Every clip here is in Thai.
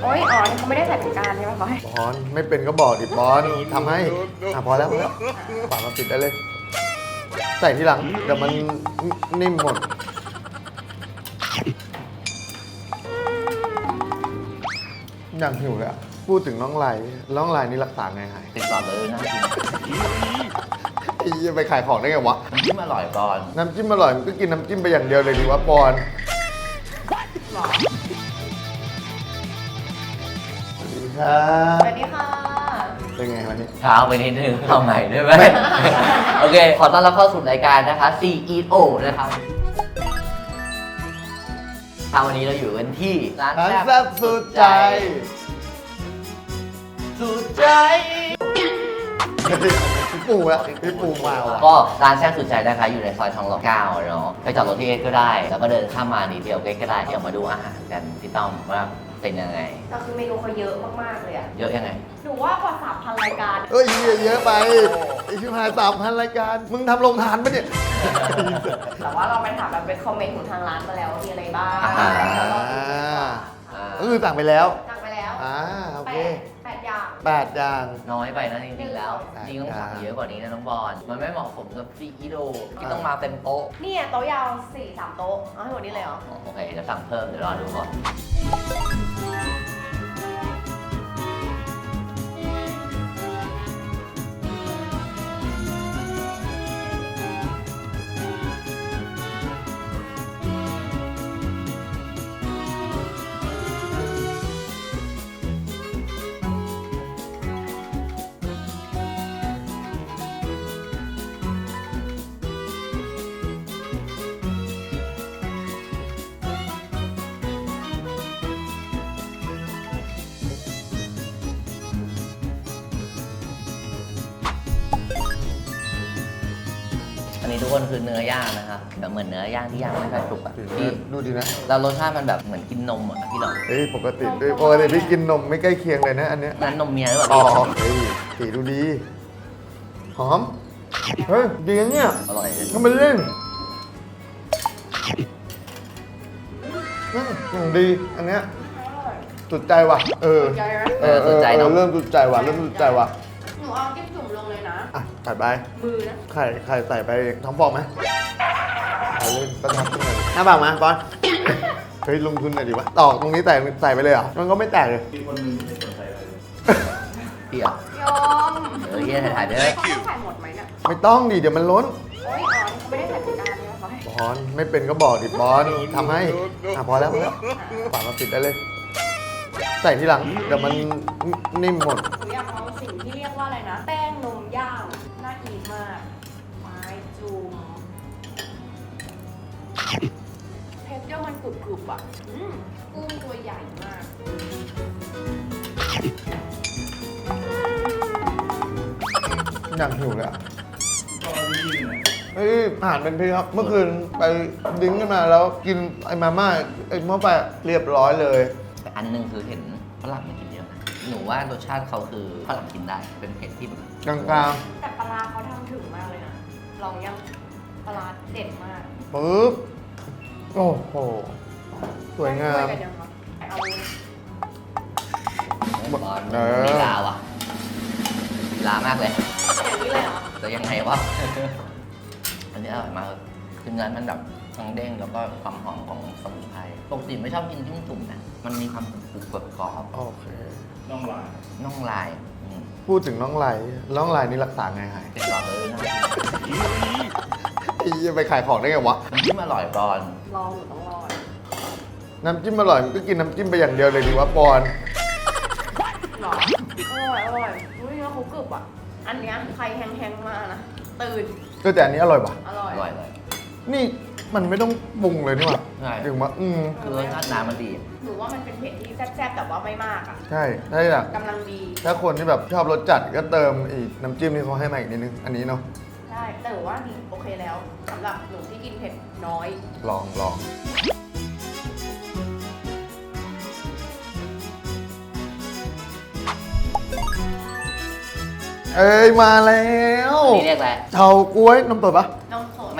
โอ้ยอ๋อนี่เขาไม่ได้ใส่เป็นการใช่ไหมเขาให้บอลไม่เป็นก็บอกดิบอลทำให้พอแล้วฝามาปิดได้เลย ใส่ทีหลังเดี๋ยวมันนิ่มหมดอย่างหิวเลยอะพูดถึงน้องไหลนี่รักษาไงหายติดต่อเลยนะไอ้เหี้ยไปขายของได้ไงวะน้ำจิ้มอร่อยก่อนน้ำจิ้มอร่อยมันก็กินน้ำจิ้มไปอย่างเดียวเลยดีวะปอนหรอสวัสดีครับสวัสดีค่ะเป็นไงวันนี้เช้าไปนิดนึงเอาใหม่ได้ไหม โอเค ขอต้อนรับเข้าสู่รายการนะคะ CEO นะครับวันนี้เราอยู่กันที่ร้านร้านแซ่แซ่บบสุดใจสุดใจพี่ปูอะพี่ปูมาว่ะก็ร้านแซ่บสุดใจนะคะอยู่ในซอยทองหล่อ9เนาะไปจอดรถที่เอ็กก็ได้ แล้วก็เดินข้ามมานิดเดียวเอ็กก็ได้เดี๋ยวมาดูอาหารกันพี่ต้อมว่าเป็นยังไงแต่คือเมนูเขาเยอะมากๆเลยอะเยอะยังไงหนูว่ากว่า 3,000 รายการเอ้ยเยอะไปไอชิบหาย3,000 รายการ มึงทำโรงทานปะเนี่ยแต่ว่าเราไปถามแบบเป็นคอมเมนต์ของทางร้านมาแล้วว่ามีอะไรบ้างอ่าแล้วเราดูดีกว่าก็คือสั่งไปแล้วสั่งไปแล้วโอเค 8 อย่าง 8 อย่างน้อยไปนะจริงๆแล้วจริงต้องสั่งเยอะกว่านี้นะน้องบอลมันไม่เหมาะสมกับCEOที่ต้องมาเต็มโต๊ะเนี่ยโต๊ะยาว 4-3 โต๊ะเอาให้หมดนี้เลยเหรอโอเคจะสั่งเพิ่มเดี๋ยวรอดูก่อน อันนี้ทุกคนคือเนื้อย่างนะครับแบบเหมือนเนื้อย่างที่ย่างไม่ค่อยสุกอ่ะที่ดูดีนะแล้วรสชาติมันแบบเหมือนกินนมอ่ะพี่น้องเฮ้ยปกติพี่กินนมไม่ใกล้เคียงเลยนะอันเนี้ยนั้นนมเมียหรือเปล่าอ๋อพี่เฮ้ยสีดูดี หอม เฮ้ย ดีนะเนี่ยอร่อยเลยทำไมเล่นอย่างดี อันเนี้ยจุดใจว่ะ เออจุดใจไหมสนใจเนาะเริ่มจุดใจว่ะ เริ่มจุดใจว่ะหนูเอาจิ้มจุ่มลงเลยนะอ่ะใส่ไปมือนะไข่ใส่ไปท้องฟองไหมใส่เลยประทับขึ้นเลยหน้าปากมาบอลเฮ้ยลงทุนหน่อยดิวะตอกตรงนี้ใส่ไปเลยเหรอ มันก็ไม่แตกเลยพี่อ่ะยอมเฮียถ่ายๆเด้อเขาต้องใส่หมดไหมเนี่ยไม่ต้องดิเดี๋ยวมันล้นโอ้ยอ๋อนี่เขาไม่ได้ใส่เป็นการใช่ไหมเขาให้บอลไม่เป็นก็บอกดิบอลทำให้พอแล้วฝามาปิดได้เลย ใส่ทีหลังเดี๋ยวมันนิ่มหมดหนูอยากลองสิ่งที่เรียกว่าอะไรนะ แป้งนมย่างน่ากินมาก ไม้จุ่มเทคเจอร์มันกรุบๆอ่ะกุ้งตัวใหญ่มากอย่างหิวเลยอะเฮ้ยอาหารเป็นพิษครับ เมื่อคืนไปดิ้งกันมาแล้วกินไอ้มาม่าไอ้หม้อไปเรียบร้อยเลยแต่อันหนึงคือเห็นฝรั่งมันกินเยอะนะหนูว่ารสชาติเขาคือฝรั่งกินได้เป็นเผ็ดที่แบบกลางแต่ปลาร้าเขาทำถึงมากเลยนะ ลองยังปลาร้าเด็ดมากๆปึ๊บ โอ้โห สวยงามช่กันยังคะเอาบอลมีลาว่ะมีลามากเลยอย่างนี้เลยเหรอแต่ยังไงวะ อันนี้อร่อยมากเลยคือเนื้อมันแบบทั้งเด้งแล้วก็ความหอมของสมุนไพรปกติไม่ชอบกินจิ้มจุ่มนะมันมีความกรุบกรอบโอเคน่องลายพูดถึงน้องไหลนี่รักษาไงหายติดต่อเลยนะไอ้เหี้ยไปขายของได้ไงวะน้ำจิ้มอร่อยก่อนลองหนูต้องรอดน้ำจิ้มอร่อยมันก็กินน้ำจิ้มไปอย่างเดียวเลยดีวะปอนหรออร่อยอุ้ยเนื้อเขากรึบอ่ะ อันเนี้ยใครแห้งๆมานะ ตื่นก็แต่อันนี้อร่อยปะอร่อยอร่อยเลยนี่มันไม่ต้องปรุงเลยนี่หว่าใช่ถึงว่าคือรสชาติน้ำมันดีหนูว่ามันเป็นเผ็ดที่แซ่บๆแต่ว่าไม่มากอ่ะใช่ถ้าอยากกำลังดีถ้าคนที่แบบชอบรสจัดก็เติมอีกน้ำจิ้มที่เขาให้มาอีกนิดนึง อันนี้เนาะใช่ แต่หนูว่าดีโอเคแล้วสำหรับหนูที่กินเผ็ดน้อยลอง เอ้ยมาแล้วนี่เรียกอะไรเฉาก๊วยนมสดปะน้องสดไม่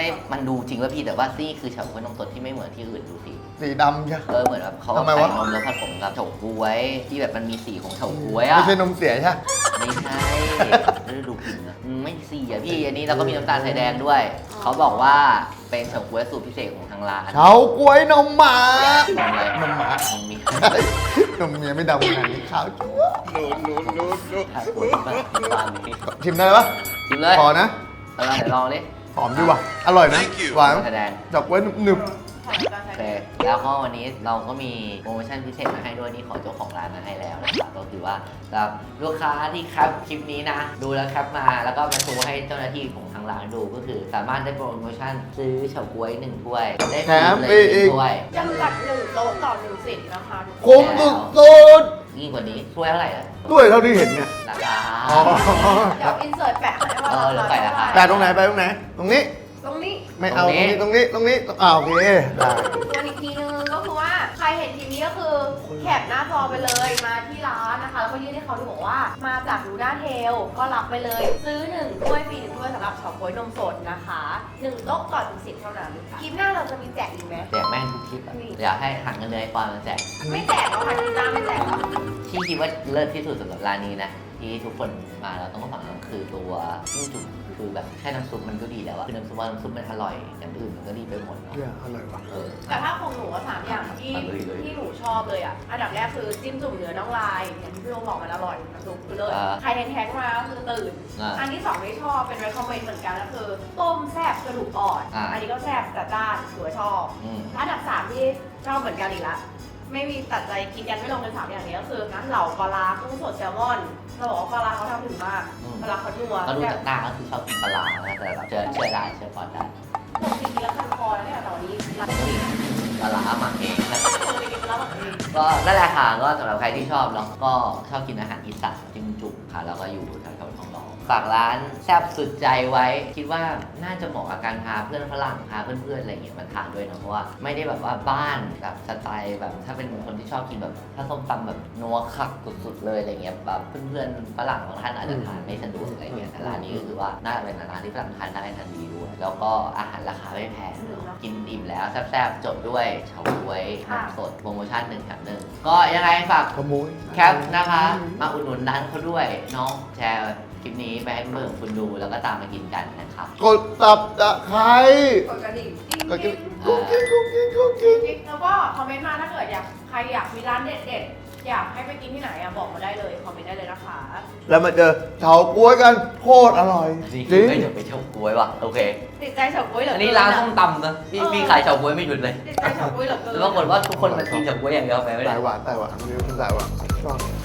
มันดูจริงว่าพี่แต่ว่านี่คือเฉาก๊วยนมสดที่ไม่เหมือนที่อื่นดูสิสีดำใช่เหมือนแบบเขาทำไมใส่วะนมแล้วผสมกับเฉาก๊วยที่แบบมันมีสีของเฉาก๊วยอ่ะไม่ใช่นมเสียใช่ไม่ใช่แล้วดูกลิ่นนะไม่สีอ่ะพี่อันนี้เราก็มีน้ำตาลทรายแดงด้วย เขาบอกว่าเป็นเฉาก๊วยสูตรพิเศษของทางร้านเฉาก๊วยนมหมานมอะไรนมหมานมมีนมเมียไม่ดำขนาดนี้ขาวจั๊วขายตัวที่บ้านนี้ชิมได้ปะชิมเลยพอนะเดี๋ยวลองดิหอมดีว่ะอร่อยนะหวานแสดงเฉาก๊วยหนึบใส่น้ำตาลโอใส่เคแล้วก็วันนี้เราก็มีโปรโมชั่นพิเศษมาให้ด้วยนี่ขอเจ้าของร้านมาให้แล้วนะครับก็คือว่าสำหรับลูกค้าที่แคปคลิปนี้นะ ดูแล้วแคปมาแล้วก็มาโชว์ให้เจ้าหน้าที่ของทางร้านดูก็คือ สามารถได้โปรโมชั่นซื้อเฉาก๊วย1ถ้วยได้ฟรีเลย1ถ้วยจำกัด1โต๊ะต่อ1สิทธิ์นะคะทุกๆคนคุ้มสุดยิ่งกว่านี้ถ้วยเท่าไหร่ล่ะๆด้วยเท่าที่เห็นเนี่ยราคาอ๋อเดี๋ยวอินเสิร์ตแปะให้ว่าเดี๋ยวแปะราคาแต่ตรงไหนไปตรงไหน ตรงนี้ตรงนี้ไม่เอาตตรรง งนี้นี้ตรงนี้ตรงนี้โอเคได้วนอีกทีนึงก็คือว่าใครเห็นทีนี้ก็คือแคปหน้าจอไปเลยมาที่ร้านนะคะแล้วก็ยื่นให้เขาดูบอกว่ามาจากดูด้าเทลก็รับไปเลย ซื้อ1ถ้วยฟรี1ถ้วยสำหรับเฉาก๊วยนมสดนะคะ1โต๊ะต่อ1สิทธิ์เท่านั้นคลิปหน้าเราจะมีแจกอีกไหมแจกแม่งทุกคลิปอะอยากให้หักเงินเลยปอนมาแจกไม่แจกหรอกค่ะคลิปหน้าไม่แจกหรอกที่คิดว่าเลิศที่สุดสำหรับร้านนี้นะ ที่ทุกคนมาแล้วต้องสั่งคือตัวจิ้มจุ่มคือแบบแค่น้ำซุปมันก็ดีแล้วอะคือน้ำซุปว่าน้ำซุปมันอร่อยอย่างอื่นมันก็ดีไปหมดเนาะเนี่ยอร่อยว่ะแต่ถ้าของหนูอะสามอย่างที่เอาเลยที่หนูชอบเลยอ่ะอันดับแรกคือจิ้มจุ่มเนื้อน่องลายอย่างที่พี่โอบอกมันอร่อยน้ำซุปคือเลยใครแทงๆมาก็คือตื่น อันที่สองที่ชอบเป็น recommend เหมือนกันก็คือต้มแซ่บกระดูกอ่อนอันนี้ก็แซ่บจัดจ้านถือว่าชอบ อันดับสามที่ชอบเหมือนกันอีกละไม่มีตัดใจกินกันไม่ลงเป็นสามอย่างนี้ก็คือน้ำเหล่าปลาร้ากุ้งสดแซลมอนเราบอกว่าปลาร้าเขาทำถึงมากปลาร้าเขานัวก็ดูจากหน้าก็คือชอบกินปลาร้านะแต่แบบเชื่อได้เชื่อปอนได้ผมกินแล้วคันคอแล้วเนี่ยแต่วันนี้เราปลาร้าหมักเองนะไปกินแล้วแบบนี้ก็นั่นแหละค่ะก็สำหรับใครที่ชอบแล้วก็ชอบกินอาหารอีสานจิ้มจุ่มค่ะแล้วก็อยู่แถวๆทองหล่อฝากร้านแซ่บสุดใจไว้ คิดว่าน่าจะเหมาะกับการพาเพื่อนฝรั่งพาเพื่อนๆอะไรอย่างเงี้ยมาทานด้วยนะเพราะว่าไม่ได้แบบว่าบ้านแบบสไตล์แบบถ้าเป็นคนที่ชอบกินแบบถ้าส้มตำแบบนัวคักสุดๆเลยอะไรเงี้ยแบบเพื่อนๆฝรั่งบางท่านอาจจะทานไม่สะดวกอะไรเงี้ยแต่ร้านนี้ก็คือว่าน่าจะเป็นร้านที่ฝรั่งทานได้ทานดีด้วยแล้วก็อาหารราคาไม่แพงเนอะกินอิ่มแล้วแซ่บๆจบด้วยเฉาก๊วยน้ำสดโปรโมชั่น1 แถม 1ก็ยังไงฝากขโมยแคปนะคะ มาอุดหนุนร้านเขาด้วยเน้องแชร์คลิปนี้ไปให้เพื่อนๆคุณดูแล้วก็ตามมากินกันนะครับกดตับตะไคร้กดกระดิ่งกดกินกิ๊งกุ๊กกิ๊งกุ๊กกิ๊งกุ๊กกิ๊งแล้วก็คอมเมนต์มาถ้าเกิดใครอยากมีร้านเด็ดๆอยากให้ไปกินที่ไหนอะบอกมาได้เลยคอมเมนต์ได้เลยนะคะแล้วมาเจอเฉาก๊วยกันโคตรอร่อยนี่จคืริอง ไม่หยุดไปเฉาก๊วยว่ะโอเคติดใจเฉาก๊วยเหรออัอันนี้ร้านส้มตำนะพี่ขายเฉาก๊วยไม่หยุดเลยติดใจเฉาก๊วยเหรอเกินแล้วปรากฏว่าทุกคนมากินเฉาก๊วยอย่างเดียวไปไม่สาได้ยหวานสายหวานนี่เป็นสายหวานชอบ